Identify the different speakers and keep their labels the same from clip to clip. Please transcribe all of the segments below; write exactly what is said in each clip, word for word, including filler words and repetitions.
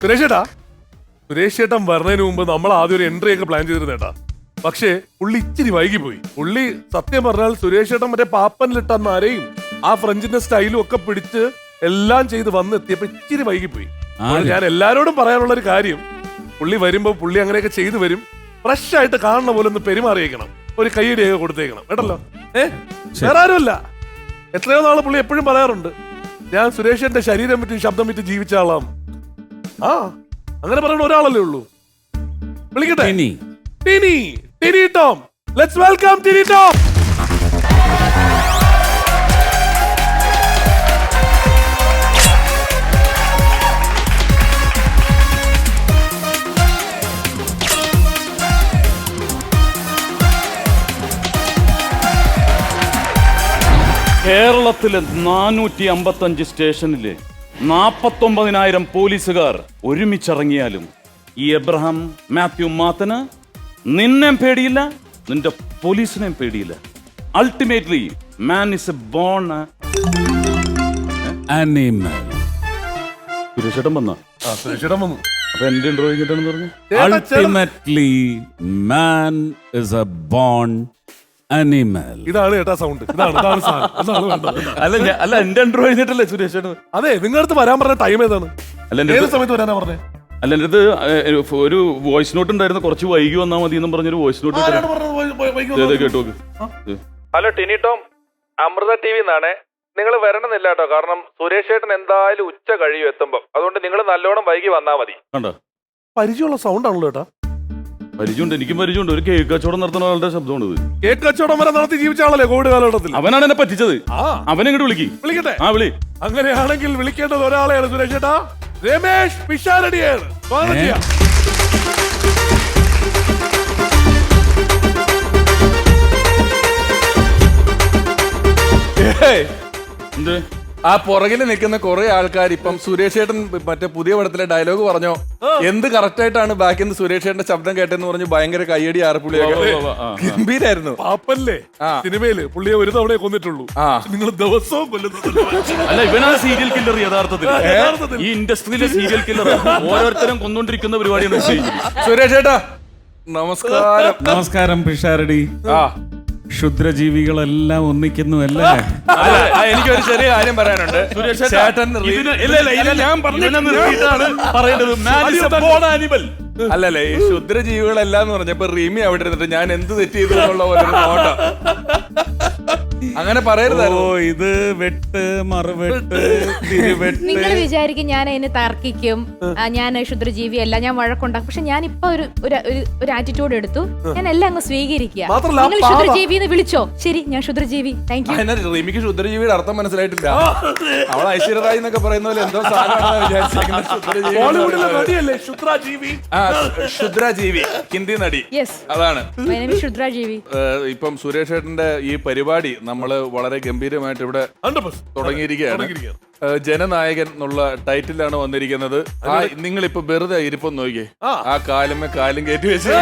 Speaker 1: സുരേഷ് ചേട്ടാ, സുരേഷ് ചേട്ടൻ വരുന്നതിന് മുമ്പ് നമ്മൾ ആദ്യം ഒരു എൻട്രി ഒക്കെ പ്ലാൻ ചെയ്തിരുന്നേട്ടാ. പക്ഷേ പുള്ളി ഇച്ചിരി വൈകിപ്പോയി. പുള്ളി സത്യം പറഞ്ഞാൽ സുരേഷ് ചേട്ടൻ മറ്റേ പാപ്പനിലിട്ട നരയും ആ ഫ്രഞ്ചിന്റെ സ്റ്റൈലും ഒക്കെ പിടിച്ച് എല്ലാം ചെയ്ത് വന്ന് എത്തിയപ്പോ ഇച്ചിരി വൈകിപ്പോയി. ഞാൻ എല്ലാരോടും പറയാനുള്ള ഒരു കാര്യം, പുള്ളി വരുമ്പോ പുള്ളി അങ്ങനെയൊക്കെ ചെയ്തു വരും. ഫ്രഷ് ആയിട്ട് കാണുന്ന പോലെ ഒന്ന് പെരുമാറിയേക്കണം, ഒരു കൈയടിയൊക്കെ കൊടുത്തേക്കണം കേട്ടല്ലോ. ഏഹ് വേറെ ആരുമല്ല, എത്രയോ നാള് പുള്ളി എപ്പോഴും പറയാറുണ്ട്, ഞാൻ സുരേഷിന്റെ ശരീരം വിറ്റ് ശബ്ദം വിറ്റ് ജീവിച്ച ആളാം. ആ അങ്ങനെ പറയുന്ന ഒരാളല്ലേ ഉള്ളൂ. വിളിക്കട്ടെ, ടിനി ടിനി ടോം. Let's welcome Tiny Tom.
Speaker 2: കേരളത്തിലെ നാനൂറ്റി അമ്പത്തി അഞ്ച് സ്റ്റേഷനിലെ നാപ്പത്തൊമ്പതിനായിരം പോലീസുകാർ ഒരുമിച്ചിറങ്ങിയാലും ഈ എബ്രഹാം മാത്യു മാത്തന് നിന്നെയും പേടിയില്ല, നിന്റെ പോലീസിനെയും പേടിയില്ല. Ultimately man is a born animal. സുരേഷേട്ടൻ വന്ന
Speaker 1: സുരേഷേട്ടൻ വന്നു.
Speaker 2: അപ്പൊ എന്റെ ഇന്റർവ്യൂ കഴിഞ്ഞിട്ടാണെന്ന് പറഞ്ഞു.
Speaker 3: Ultimately, man is a born animal.
Speaker 1: ഇതാണ് കേട്ടാ സൗണ്ട്. ഇതാണ് ഇതാണ് സാധനം. ഇതാണ് വേണ്ടത്.
Speaker 2: അല്ല ഞാൻ- അല്ല എന്റെ ഇന്റർവ്യൂ കഴിഞ്ഞിട്ടല്ലേ സുരേഷേട്ടൻ?
Speaker 1: അതെ, നിങ്ങളുടെ അടുത്ത് വരാൻ പറഞ്ഞ ടൈം ഏതാണ്?
Speaker 2: അല്ല എന്റെ
Speaker 1: ഏത്
Speaker 2: അടുത്ത്
Speaker 1: സമയത്ത് വരാനാ പറഞ്ഞേ?
Speaker 2: അല്ല എന്റെ അടുത്ത് ഏഹ്, ഒരു വോയിസ് നോട്ട് ഉണ്ടായിരുന്നു, കുറച്ച് വൈകി വന്നാൽ മതി എന്നും പറഞ്ഞൊരു വോയിസ് നോട്ട്
Speaker 1: ആരാണ് പറഞ്ഞത്? വൈ- വൈ- വൈകി വന്നത്?
Speaker 2: കേട്ടു നോക്ക്.
Speaker 4: Hello Tiny Tom, Amrita T V എന്നാണ്. നിങ്ങൾ വരണമെന്നില്ല കേട്ടോ, കാരണം സുരേഷ് ചേട്ടൻ എന്തായാലും ഉച്ച കഴിയും എത്തുമ്പോൾ. അതുകൊണ്ട് നിങ്ങൾ നല്ലോണം വൈകി വന്നാൽ മതി.
Speaker 2: കണ്ടോ,
Speaker 1: പരിചയമുള്ള സൗണ്ട് ആണല്ലോ ചേട്ടാ.
Speaker 2: പരിചയമുണ്ട്, എനിക്കും പരിചയമുണ്ട്. ഒരു കേക്ക് കച്ചവടം നടത്തുന്ന ആളുടെ ശബ്ദമാണ് ഇത്.
Speaker 1: കേക്ക് കച്ചവടം വരെ നടത്തി ജീവിച്ച ആളല്ലേ കോവിഡ് കാലഘട്ടത്തിൽ.
Speaker 2: അവനാണ് എന്നെ പറ്റിച്ചത്.
Speaker 1: ആ
Speaker 2: അവനെ ഇങ്ങോട്ട് വിളിക്ക്.
Speaker 1: വിളിക്കട്ടെ.
Speaker 2: ആ വിളി.
Speaker 1: അങ്ങനെയാണെങ്കിൽ വിളിക്കേണ്ടത് ഒരാളെയാണ് സുരേഷ് ചേട്ടാ. രമേഷ് പിഷാരടിയാണ്. സ്വാഗതം ചെയ്യാം.
Speaker 2: എന്ത്?
Speaker 5: ആ പുറകിൽ നിൽക്കുന്ന കുറെ ആൾക്കാർ ഇപ്പം സുരേഷ് ചേട്ടൻ മറ്റേ പുതിയ പടത്തിലെ ഡയലോഗ് പറഞ്ഞോ, എന്ത് കറക്റ്റ് ആയിട്ടാണ് ബാക്കിൽ നിന്ന് സുരേഷ് ചേട്ടന്റെ ശബ്ദം കേട്ടെന്ന് പറഞ്ഞ് ഭയങ്കര കയ്യടി ആർപ്പുള്ളിയൊക്കെ ഗംഭീരായിരുന്നു.
Speaker 1: പാപ്പല്ലേ സിനിമയില് പുള്ളിയെ ഒരു തവണയെ കൊന്നിട്ടുള്ളൂ. നിങ്ങൾ ദിവസവും കൊല്ലുന്നു.
Speaker 2: അല്ല, ഇവനാണ് സീരിയൽ കില്ലർ യഥാർത്ഥത്തിൽ. ഈ ഇൻഡസ്ട്രിയിലെ സീരിയൽ കില്ലർ ഓരോരുത്തരും കൊന്നോണ്ടിരിക്കുന്ന പരിപാടിയാണ് ചെയ്യുന്നത്.
Speaker 5: സുരേഷ് ചേട്ടാ നമസ്കാരം.
Speaker 3: നമസ്കാരം പിഷാരടി.
Speaker 5: ആ
Speaker 3: ക്ഷുദ്രജീവികളെല്ലാം ഒന്നിക്കുന്നു അല്ലേ?
Speaker 5: അല്ല, ആ, എനിക്കൊരു ചെറിയ കാര്യം പറയാനുണ്ട്.
Speaker 2: സുരേഷ്
Speaker 5: ചേട്ടൻ
Speaker 2: ഇതിന് ഇല്ല, ഇല്ല, ഇത് ഞാൻ പറഞ്ഞതിനെ നിർത്തിയിട്ടാണ് പറയേണ്ടത്. Man is a born animal.
Speaker 5: അല്ലല്ലേ, ഈ ക്ഷുദ്രജീവികളെല്ലാം എന്ന് പറഞ്ഞപ്പോ റീമി അവിടെ ഇരുന്നിട്ട് ഞാൻ എന്ത് തെറ്റ് ചെയ്തു എന്നുള്ള പോലെ ഒരു നോട്ടം. അങ്ങനെ
Speaker 3: ഓ,
Speaker 5: പറയരുതായിരുന്നു.
Speaker 3: ഇത് വെട്ട് മറുവെട്ട് തിരുവെട്ട്.
Speaker 6: നിങ്ങൾ വിചാരിക്കും ഞാൻ അതിന് തർക്കിക്കും, ആ, ഞാൻ ക്ഷുദ്രജീവിയല്ല, ഞാൻ വഴക്കുണ്ടാക്കും. പക്ഷെ ഞാൻ ഇപ്പൊ ഒരു ഒരു- ഒരു- ഒരു ആറ്റിറ്റ്യൂഡ് എടുത്തു. ഞാൻ എല്ലാം അങ്ങ് സ്വീകരിക്കുക.
Speaker 1: മാത്രല്ല,
Speaker 6: നിങ്ങൾ
Speaker 1: പാവ.
Speaker 6: ക്ഷുദ്രജീവി എന്ന് വിളിച്ചോ, ശരി, ഞാൻ ക്ഷുദ്രജീവി. Thank you.
Speaker 5: അതിനെ റീമിക്ക് ക്ഷുദ്രജീവിയുടെ അർത്ഥം മനസ്സിലായിട്ടില്ല. അവൾ ഐശ്വര്യറായി എന്നൊക്കെ പറയുന്ന പോലെ എന്തോ സാധനമാണെന്ന് വിചാരിച്ചിരിക്കുന്നത്. ക്ഷുദ്രജീവി
Speaker 1: ബോളിവുഡിലെ നടിയല്ലേ ക്ഷുദ്രജീവി?
Speaker 5: ആ, ക്ഷുദ്രജീവി ഹിന്ദി നടി.
Speaker 6: യെസ്,
Speaker 5: അതാണ്.
Speaker 6: ക്ഷുദ്രജീവി.
Speaker 5: ഏഹ്, ഇപ്പം സുരേഷ് ഏട്ടന്റെ ഈ പരിപാടി നമ്മള് വളരെ ഗംഭീരമായിട്ട് ഇവിടെ തുടങ്ങിയിരിക്കുകയാണ്. ഏഹ്, ജനനായകൻ എന്നുള്ള ടൈറ്റിലാണ് വന്നിരിക്കുന്നത്. ആ, നിങ്ങളിപ്പോ വെറുതെ ഇരിപ്പം നോക്കിയേ, ആ കാലുമേ കാലും കയറ്റി വെച്ച്.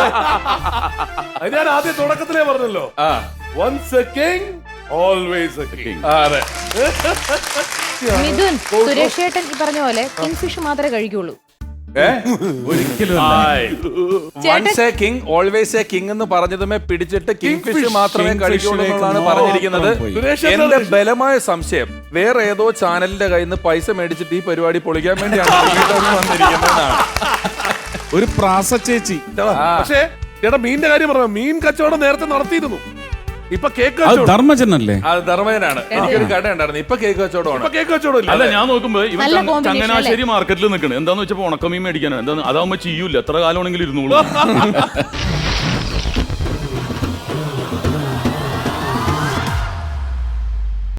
Speaker 1: അത് ഞാൻ ആദ്യം തുടക്കത്തിലേ പറഞ്ഞല്ലോ.
Speaker 5: ആ
Speaker 1: Once a king, always a king.
Speaker 5: ആ, അതെ.
Speaker 6: മിഥുൻ, സുരേഷ് ഏട്ടൻ ഈ പറഞ്ഞ പോലെ കിങ് ഫിഷ് മാത്രമേ കഴിക്കുള്ളൂ.
Speaker 3: ഒരിക്കലും
Speaker 5: once a king always a king എന്ന് പറഞ്ഞതുമേ പിടിച്ചിട്ട് കിങ് ഫിഷ് മാത്രമേ കഴിക്കുള്ളൂ എന്നുള്ളതാണ് പറഞ്ഞിരിക്കുന്നത്. എന്റെ ബലമായ സംശയം വേറെ ഏതോ ചാനലിന്റെ കയ്യിൽ നിന്ന് പൈസ മേടിച്ചിട്ട് ഈ പരിപാടി പൊളിക്കാൻ വേണ്ടിയാണ് വന്നിരിക്കുന്നതാണ്.
Speaker 3: ഒരു പ്രാസ ചേച്ചി.
Speaker 1: പക്ഷേ ചേട്ടാ, മീനിന്റെ കാര്യം പറഞ്ഞു. മീൻ കച്ചവടം നേരത്തെ നടത്തിയിരുന്നു. ഇപ്പൊ കേക്ക്
Speaker 3: അത്
Speaker 1: കച്ചവടം.
Speaker 3: ധർമ്മജനല്ലേ?
Speaker 5: അത് ധർമ്മജനാണ്. എനിക്കൊരു കട ഉണ്ടായിരുന്നു, ഇപ്പൊ കേക്ക് കച്ചവടമാണ്.
Speaker 1: ഇപ്പൊ കേക്ക് കച്ചവടം ഇല്ല.
Speaker 2: അല്ല, ഞാൻ നോക്കുമ്പോ ഇവൻ
Speaker 6: നല്ല
Speaker 2: ചങ്ങ-
Speaker 6: combination
Speaker 2: ചങ്ങനാശ്ശേരി മാർക്കറ്റിൽ നിൽക്കണേ. എന്താന്ന് വെച്ചപ്പോ ഉണക്കമീൻ മേടിക്കാനാണ്. എന്താ അതാവുമ്പോ ചെയ്യൂല, എത്ര കാലമാണെങ്കിലും ഇരുന്നോളൂ.